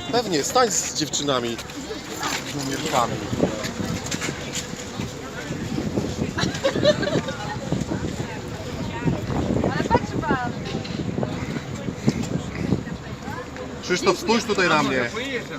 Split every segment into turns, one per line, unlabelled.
Pewnie, stań z dziewczynami. Z numerkami.
Ale patrz pan.
Krzysztof, spójrz tutaj na mnie.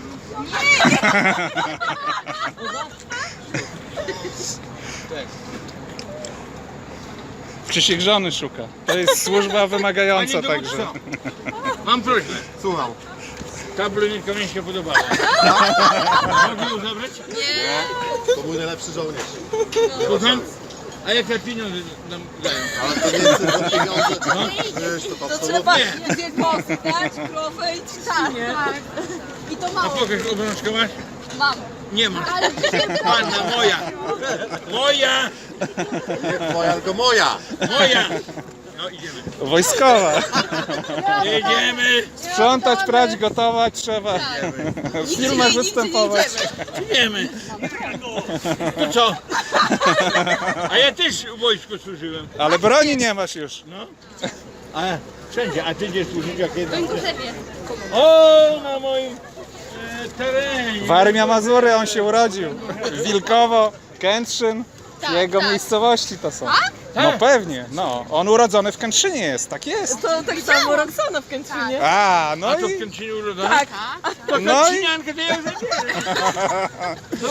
Krzysiek żony szuka. To jest służba wymagająca także.
Mam prośbę.
Słucham.
Ta blondynka mi się podobała. Mogę ją zabrać?
To mój najlepszy żołnierz.
Słucham? A jakie pieniądze nam dają?
Ale to nie jest tylko pieniądze. Wiesz, to absolutnie.
Dwie kozy dać, krowę i trzcinę. Tak. I to
A
mało.
pokaż obrączkę masz?
Mam.
Nie ma. Panna moja. Moja.
Nie twoja, tylko moja.
Moja. No idziemy.
Wojskowa.
Jedziemy.
Sprzątać, prać, gotować trzeba. W filmach występować.
Idziemy. To co? A ja też w wojsku służyłem.
Ale broni nie masz już.
No. A wszędzie. A ty gdzie służysz? Jak jedna?
Gorzewie.
O, na moim terenie.
Warmia Mazury, on się urodził. Wilkowo, Kętrzyn. Jego miejscowości to są. No pewnie, no. On urodzony w Kętrzynie jest, tak jest.
To tak samo Roxana w Kętrzynie.
A, no
A to w
i...
Kętrzynie urodzony?
Tak.
To
No i-
Kętrzyniankę to ja już zabieram.